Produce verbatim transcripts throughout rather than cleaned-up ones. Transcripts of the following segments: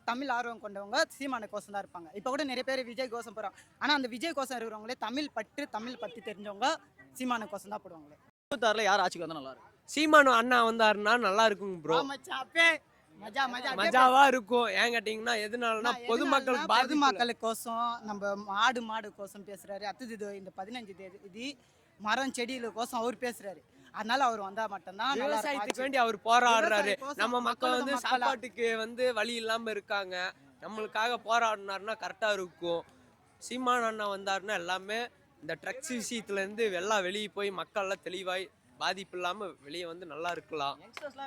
தமிழ் ஆர்வம் கொண்டவங்க சீமான கோசம் தான் இருப்பாங்க. இப்போ கூட நிறைய பேர் விஜய் கோசம் போகிறாங்க. ஆனால் அந்த விஜய் கோசம் இருக்கிறவங்களே தமிழ் பற்று தமிழ் பற்றி தெரிஞ்சவங்க சீமான கோசம் தான் போடுவாங்களே. இருபத்தாறுல யார் ஆட்சிக்கு வந்தா நல்லா இருக்கும்? சீமானு அண்ணா வந்தாருன்னா நல்லா இருக்கும் ப்ரோ. மஜா மஜா மஜாவா இருக்கும். ஏன் கேட்டீங்கன்னா எதனாலனா பொதுமக்கள் பொதுமக்களுக்கோசம் நம்ம மாடு மாடு கோசம் பேசுறாரு. அடுத்தது இந்த பதினஞ்சு தேதி மரம் செடியில கோசம் அவர் பேசுறாரு. அதனால அவர் வந்தா மட்டும்தான் விவசாயத்துக்கு வேண்டி அவர் போராடுறாரு. நம்ம மக்கள் வந்து சாப்பாட்டுக்கு வந்து வழி இல்லாம இருக்காங்க. நம்மளுக்காக போராடினாருன்னா கரெக்டா இருக்கும். சீமான் அண்ணா வந்தாருன்னா எல்லாமே இந்த ட்ரக்ஸ் விஷயத்துல இருந்து எல்லாம் வெளியே போய் மக்கள் எல்லாம் தெளிவாய் பாதிப்பு இல்லாம வெளியே வந்து நல்லா இருக்கலாம்.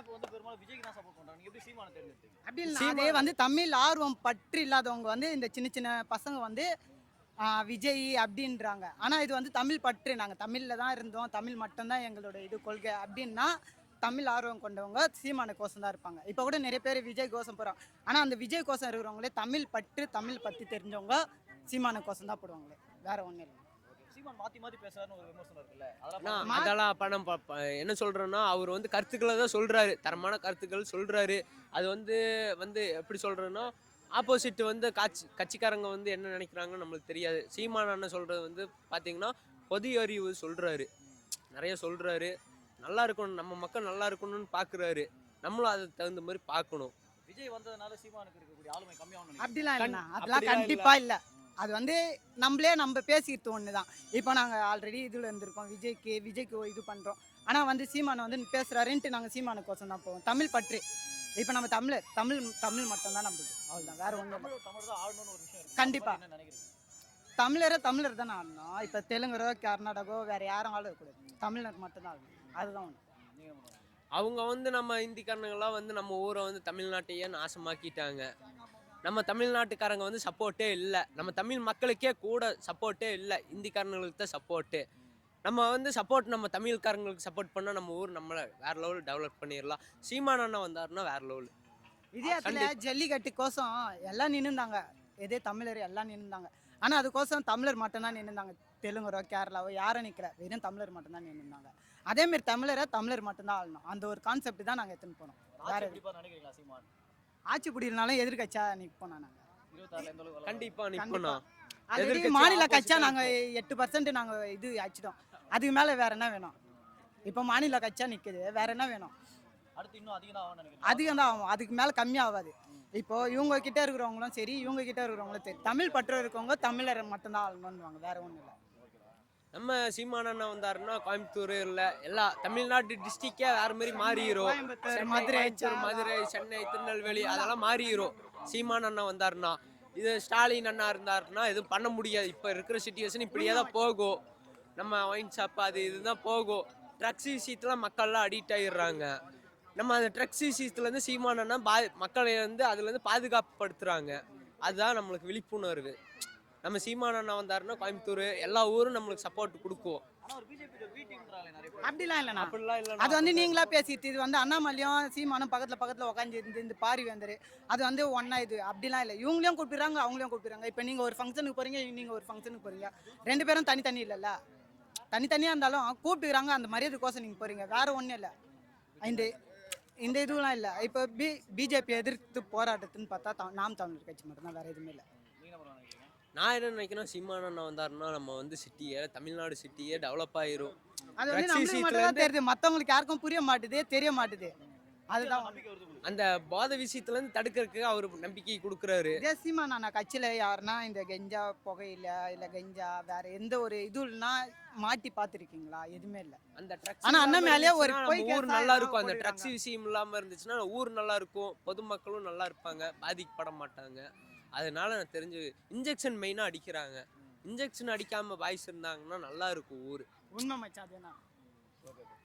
அப்படி இல்லை, வந்து தமிழ் ஆர்வம் பற்று இல்லாதவங்க வந்து இந்த சின்ன சின்ன பசங்க வந்து விஜய் அப்படின்றாங்க. ஆனால் இது வந்து தமிழ் பற்று, நாங்கள் தமிழில் தான் இருந்தோம், தமிழ் மட்டும்தான் எங்களோட இது கொள்கை அப்படின்னா தமிழ் ஆர்வம் கொண்டவங்க சீமான கோசம் தான் இருப்பாங்க. இப்போ கூட நிறைய பேர் விஜய் கோசம் போகிறாங்க. ஆனால் அந்த விஜய் கோசம் இருக்கிறவங்களே தமிழ் பற்று தமிழ் பற்றி தெரிஞ்சவங்க சீமான கோசம் தான் போடுவாங்களே, வேற ஒன்றும் இல்லை. அதெல்லாம் பணம் என்ன சொல்றேன்னா அவர் வந்து கருத்துக்களை தான் சொல்றாரு, தரமான கருத்துக்கள் சொல்றாரு. அது வந்து வந்து எப்படி சொல்றேன்னா ஆப்போசிட் வந்து காட்சி கட்சிக்காரங்க வந்து என்ன நினைக்கிறாங்கன்னு நம்மளுக்கு தெரியாது. சீமான் அண்ணன் சொல்றது வந்து பார்த்தீங்கன்னா பொது அறிவு சொல்றாரு, நிறைய சொல்றாரு. நல்லா இருக்கணும், நம்ம மக்கள் நல்லா இருக்கணும்னு பார்க்குறாரு. நம்மளும் அதுக்கு தகுந்த மாதிரி பார்க்கணும். விஜய் வந்ததுனால சீமானுக்கு இருக்கக்கூடிய ஆளுமை கம்மியாகணும் அப்படிலாம் இல்லை, அதெல்லாம் கண்டிப்பாக இல்லை. அது வந்து நம்மளே நம்ம பேசிக்கிறது ஒன்று தான். இப்போ நாங்கள் ஆல்ரெடி இதில் இருந்திருக்கோம், விஜய்க்கு விஜய்க்கு இது பண்ணுறோம். ஆனால் வந்து சீமானை வந்து பேசுகிறாருன்ட்டு நாங்கள் சீமானுக்கோசம் தான் போவோம். தமிழ் பற்று. இப்போ நம்ம தமிழர் தமிழ் தமிழ் மட்டும்தான் நம்மளுக்கு, அவ்வளோதான், வேற ஒன்றும் கண்டிப்பாக தமிழரை தமிழர் தானே ஆடணும். இப்போ தெலுங்கரோ கர்நாடகோ வேற யாரும் ஆள இருக்கக்கூடாது, தமிழர் மட்டும்தான் ஆடணும். அதுதான் ஒன்று. அவங்க வந்து நம்ம இந்திக்காரங்களாம் வந்து நம்ம ஊரை வந்து தமிழ்நாட்டையே நாசமாக்கிட்டாங்க. நம்ம தமிழ்நாட்டுக்காரங்க வந்து சப்போர்ட்டே இல்லை, நம்ம தமிழ் மக்களுக்கே கூட சப்போர்ட்டே இல்லை, இந்திக்காரங்களுக்கு தான் சப்போர்ட்டு. நம்ம வந்து சப்போர்ட் நம்ம தமிழ்காரங்களுக்கு சப்போர்ட் பண்ணால் நம்ம ஊர் நம்மளை வேற லெவல் டெவலப் பண்ணிடலாம். சீமான் அண்ணா வந்தாருன்னா வேற லெவல். இதே ஜல்லிக்கட்டு கோசம் எல்லாம் நின்றுந்தாங்க, எதே தமிழர் எல்லாம் நின்றுந்தாங்க. ஆனால் அதுக்கோசம் தமிழர் மட்டும்தான் நின்றுந்தாங்க. தெலுங்கரோ கேரளாவோ யாரும் நிற்கல, வெறும் தமிழர் மட்டும்தான் நின்றுந்தாங்க. அதேமாரி தமிழரை தமிழர் மட்டும்தான் ஆளணும், அந்த ஒரு கான்செப்ட் தான் நாங்கள் எடுத்துன்னு போனோம். வேற ஆட்சி பிடினாலும் எதிர்கட்சியா நிற்போம். நாங்கள் கண்டிப்பா நிற்போம். ஆல்ரெடி மாநில கட்சியா நாங்கள் எட்டு பர்சன்ட் நாங்கள் இது ஆச்சுட்டோம். அதுக்கு மேலே வேற என்ன வேணும்? இப்போ மாநில கட்சியா நிற்குது, வேற என்ன வேணும்? அதிகம் தான் ஆகும், அதுக்கு மேலே கம்மியாகாது. இப்போ இவங்க கிட்ட இருக்கிறவங்களும் சரி, இவங்க கிட்ட இருக்கிறவங்களும் சரி, தமிழ் பற்று இருக்கவங்க தமிழரை மட்டும்தான் ஆளணும்னுவாங்க, வேற ஒன்றும் இல்லை. நம்ம சீமான் அண்ணா வந்தாருன்னா கோயம்புத்தூர் இல்லை எல்லா தமிழ்நாட்டு டிஸ்ட்ரிக்டே வேற மாதிரி மாறிடும். மதுரை மதுரை சென்னை திருநெல்வேலி அதெல்லாம் மாறிடும் சீமான் அண்ணா வந்தாருன்னா. இது ஸ்டாலின் அண்ணா இருந்தாருன்னா எதுவும் பண்ண முடியாது. இப்போ இருக்கிற சிச்சுவேஷன் இப்படியே தான் போகும். நம்ம ஒயின் ஷாப் அது இதுதான் போகும். ட்ரக்ஸ் விஷயத்துல மக்கள்லாம் அடிக்ட் ஆகிடுறாங்க. நம்ம அந்த ட்ரக்ஸ் விஷயத்துலேருந்து சீமான் அண்ணா பா மக்களை வந்து அதுலேருந்து பாதுகாப்புப்படுத்துகிறாங்க. அதுதான் நம்மளுக்கு விழிப்புணர்வு. நம்ம சீமான் அண்ணா வந்தாருன்னா கோயம்புத்தூர் எல்லா ஊரும் நம்மளுக்கு சப்போர்ட் கொடுக்கும். அப்படிலாம் இல்லைண்ணா, அப்படிலாம் இல்லை. அது வந்து நீங்களா பேசிட்டு, இது வந்து அண்ணாமலையும் சீமானும் பக்கத்தில் பக்கத்தில் உட்காந்து இருந்து இந்த பாரி வந்தாரு, அது வந்து ஒன்றா இது அப்படிலாம் இல்லை. இவங்களையும் கூப்பிடுறாங்க, அவங்களையும் கூப்பிடுறாங்க. இப்போ நீங்கள் ஒரு ஃபங்க்ஷனுக்கு போகிறீங்க, நீங்கள் ஒரு ஃபங்க்ஷனுக்கு போகிறீங்க, ரெண்டு பேரும் தனித்தனி இல்லைல்ல, தனித்தனியாக இருந்தாலும் கூப்பிட்டுக்கிறாங்க. அந்த மரியாதைக்கோசம் நீங்கள் போகிறீங்க, வேறு ஒன்றும் இல்லை. இந்த இந்த இதுலாம் இல்லை. இப்போ பி பிஜேபி எதிர்த்து போராட்டத்துன்னு பார்த்தா நாம் தமிழர் கட்சி மட்டும்தான், வேறு எதுவுமே இல்லை. நான் என்ன நினைக்கிறேன், சீமான் அண்ணா வந்தாருன்னா நம்ம வந்து சிட்டியே தமிழ்நாடு சிட்டியே டெவலப் ஆயிரும். அது வந்து நம்மளுக்கு மட்டும் தான் தெரியுது, மற்றவங்களுக்கு யாருக்கும் புரிய மாட்டுது, தெரிய மாட்டுது. அதுதான் அந்த போதை விஷயத்துல இருந்து தடுக்கிறதுக்கு அவர் நம்பிக்கை கொடுக்குறாரு. சீமான் அண்ணா கட்சியில யாருன்னா இந்த கெஞ்சா புகையில இல்ல கெஞ்சா வேற எந்த ஒரு இதுனா மாட்டி பார்த்துருக்கீங்களா? எதுவுமே இல்லை. அந்த ட்ரக்ஸ் ஆனா அண்ணன் மேலே ஒரு ஊர் நல்லா இருக்கும். அந்த ட்ரக்ஸ் விஷயம் இல்லாம இருந்துச்சுன்னா ஊர் நல்லா இருக்கும், பொதுமக்களும் நல்லா இருப்பாங்க, பாதிக்கப்பட மாட்டாங்க. அதனால நான் தெரிஞ்சு இன்ஜெக்ஷன் மெயினாக அடிக்கிறாங்க. இன்ஜெக்ஷன் அடிக்காமல் பாய்ஸ் இருந்தாங்கன்னா நல்லா இருக்கும் ஊர். உண்மை மச்சான்.